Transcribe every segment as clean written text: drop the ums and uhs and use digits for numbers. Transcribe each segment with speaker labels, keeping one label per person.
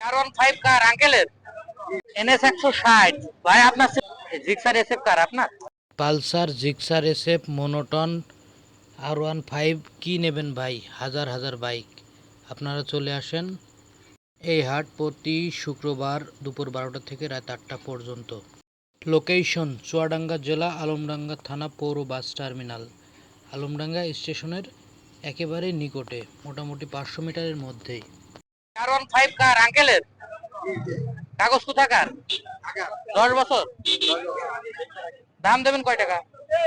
Speaker 1: R15 কার আঙ্কেলের NS 160 ভাই আপনার জিক্সার এসএফ কার আপনার
Speaker 2: Pulsar Gixxer SF monotone R15 কি নেবেন ভাই? হাজার হাজার বাইক। আপনারা চলে আসেন। এই হাট প্রতি শুক্রবার দুপুর 12টা থেকে রাত 8টা পর্যন্ত। লোকেশন চুয়াডাঙ্গা জেলা, আলমডাঙ্গা থানা, পৌর বাস টার্মিনাল। আলমডাঙ্গা স্টেশনের একেবারে নিকটে, মোটামুটি 500 মিটারের মধ্যেই।
Speaker 1: R15 কার আঙ্কেলের কাগজ কোথাকার 10 বছর দাম দেবেন কয় টাকা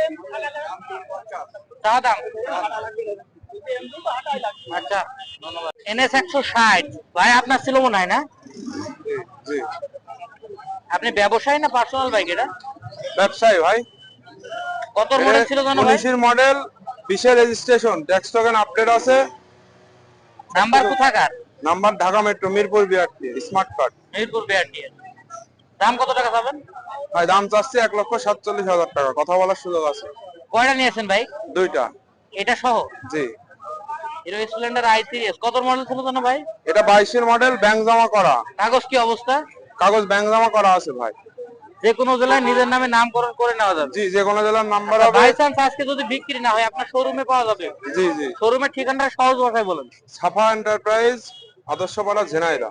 Speaker 1: চা দাম আচ্ছা ধন্যবাদ NS 160 ভাই আপনার ছিল মনে হয় না
Speaker 3: জি
Speaker 1: আপনি ব্যবসায়ী না পার্সোনাল বাইক এটা
Speaker 3: ব্যবসায়ী ভাই।
Speaker 1: কত মডেল ছিল জানো ভাই
Speaker 3: 19 এর মডেল, 20 এর রেজিস্ট্রেশন, ট্যাক্স টোকেন আপডেট আছে।
Speaker 1: নাম্বার কোথাকার
Speaker 3: number Dhaka metro, Mirpur BRT, smart card.
Speaker 1: Mirpur BRT দাম কত টাকা পাবেন
Speaker 3: ভাই দাম চাচ্ছি 1,47,000 টাকা, কথা বলার সুযোগ আছে।
Speaker 1: কয়টা নিয়েছেন ভাই
Speaker 3: দুইটা।
Speaker 1: এটা সহ
Speaker 3: জি
Speaker 1: হিরো স্প্লেন্ডার i3s কত মডেল ছিল জানো ভাই
Speaker 3: এটা 22 এর মডেল, ব্যাংক জমা করা।
Speaker 1: কাগজ কি অবস্থা
Speaker 3: কাগজ ব্যাংক জমা করা আছে ভাই।
Speaker 1: যে কোনো জেলায় নিজের নামে নামকরণ করে নেওয়া যাবে
Speaker 3: জি যে কোনো জেলার নাম্বার হবে।
Speaker 1: বাই চান্স আজকে যদি বিক্রি না হয় আপনার শোরুমে পাওয়া যাবে
Speaker 3: জি জি
Speaker 1: শোরুমের ঠিকানাটা সহজ ভাষায় বলেন
Speaker 3: সাফা এন্টারপ্রাইজ, আদর্শপাড়া, ঝিনাইদহ।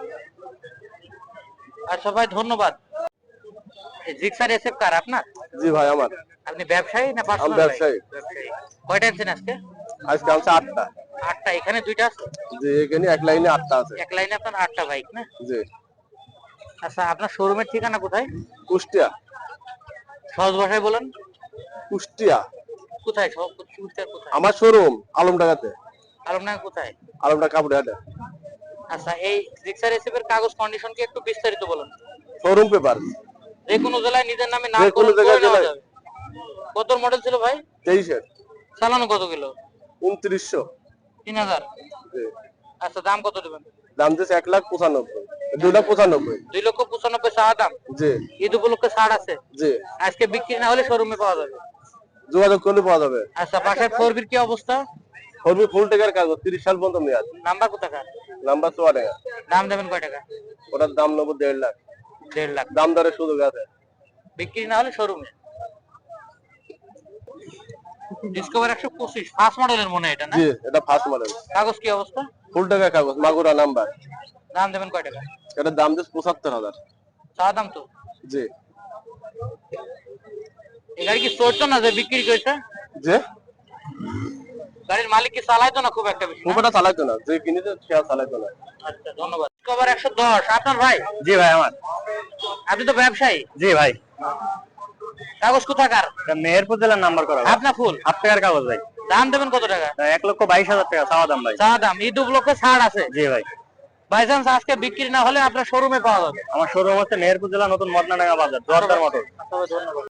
Speaker 1: আচ্ছা ভাই ধন্যবাদ জিক্সার এসএফ কার আপনার
Speaker 3: জি ভাই আমার।
Speaker 1: আপনি ব্যবসায়ী না পার্সোনাল
Speaker 3: ব্যবসায়ী।
Speaker 1: কয়টা আনছেন আজকে
Speaker 3: আজকে আছে 8টা।
Speaker 1: 8টা এখানে দুইটা আছে
Speaker 3: জি এখানে এক লাইনে 8টা আছে।
Speaker 1: এক লাইনে আপনার 8টা বাইক না
Speaker 3: জি
Speaker 1: আচ্ছা আপনার শোরুমের ঠিকানা কোথায়
Speaker 3: কুষ্টিয়া।
Speaker 1: সহজ ভাষায় বলেন
Speaker 3: কুষ্টিয়া
Speaker 1: কোথায় কুষ্টিয়ার কোথায়
Speaker 3: আমার শোরুম আলমডাঙ্গাতে।
Speaker 1: আলমডাঙ্গা কোথায়
Speaker 3: আলমডাঙ্গা কাপড়হাটে।
Speaker 1: আচ্ছা এই জিক্সার এসএফ এর কাগজ কন্ডিশন কি একটু বিস্তারিত বলেন
Speaker 3: শোরুম পেপার,
Speaker 1: যে কোনো জেলায় নিজের নামে নাম
Speaker 3: যে কোনো
Speaker 1: করে
Speaker 3: জায়গায়
Speaker 1: নেওয়া
Speaker 3: জেলায়।
Speaker 1: যাবে কত মডেল ছিল ভাই
Speaker 3: 23 এর
Speaker 1: চালানো কত কিলো
Speaker 3: 2900।
Speaker 1: 3000
Speaker 3: জি
Speaker 1: আচ্ছা দাম কত দেবেন
Speaker 3: দাম দিয়েছে 1,95,000, 2,95,000।
Speaker 1: 2,95,000 চাওয়া দাম
Speaker 3: জি
Speaker 1: ঈদ উপলক্ষে ছাড় আছে
Speaker 3: জি
Speaker 1: আজকে বিক্রি না হলে শোরুমে পাওয়া যাবে
Speaker 3: যোগাযোগ করলে পাওয়া যাবে।
Speaker 1: আচ্ছা পাশের ফোরবির কি অবস্থা
Speaker 3: ফর্মি ফুল টাকার কাগজ, 30 সাল পর্যন্ত মেয়াদ।
Speaker 1: নাম্বার কোথাকার
Speaker 3: নাম্বার 4 টাকা।
Speaker 1: দাম দেবেন কয় টাকা
Speaker 3: ওটার দাম নেবো 1.5 লাখ।
Speaker 1: 1.5 লাখ
Speaker 3: দাম দরের সুযোগ আছে।
Speaker 1: বিক্রি না হলে শোরুমে ডিসকভার 125 ফার্স্ট মডেলের মনে হয় এটা না
Speaker 3: জি এটা ফার্স্ট মডেল।
Speaker 1: কাগজ কি অবস্থা
Speaker 3: ফুল টাকার কাগজ, মাগুরা নাম্বার।
Speaker 1: দাম দেবেন কয় টাকা
Speaker 3: এটার দাম দিয়েছে 75,000।
Speaker 1: চাওয়া দাম তো
Speaker 3: জি
Speaker 1: এই গাড়ি কি চলতো না যে বিক্রি করেছে
Speaker 3: যে
Speaker 1: গাড়ির মালিক কি চালাইতো না খুব একটা বেশি না?
Speaker 3: খুব একটা চালাইতো না, যে কিনেছে সে আর চালাইতো না।
Speaker 1: আচ্ছা ধন্যবাদ ডিসকভার 110 আপনার ভাই
Speaker 2: জি ভাই আমার।
Speaker 1: আপনি তো ব্যবসায়ী
Speaker 2: জি ভাই,
Speaker 1: কাগজ কোথাকার
Speaker 2: মেহেরপুর জেলার নাম্বার করা।
Speaker 1: আপনার ফুল
Speaker 2: 8 টাকার কাগজ ভাই।
Speaker 1: দাম দেবেন কত টাকা
Speaker 2: 1,22,000 টাকা চাওয়া দাম ভাই।
Speaker 1: চা দাম ঈদ উপলক্ষে ছাড় আছে
Speaker 2: জি ভাই,
Speaker 1: বাই চান্স আজকে বিক্রি না হলে আপনার শোরুমে পাওয়া যাবে
Speaker 2: আমার শোরুম হচ্ছে মেহেরপুর জেলা, নতুন মদনাডাঙ্গা বাজার, জোয়ারদার মোটর।
Speaker 1: ধন্যবাদ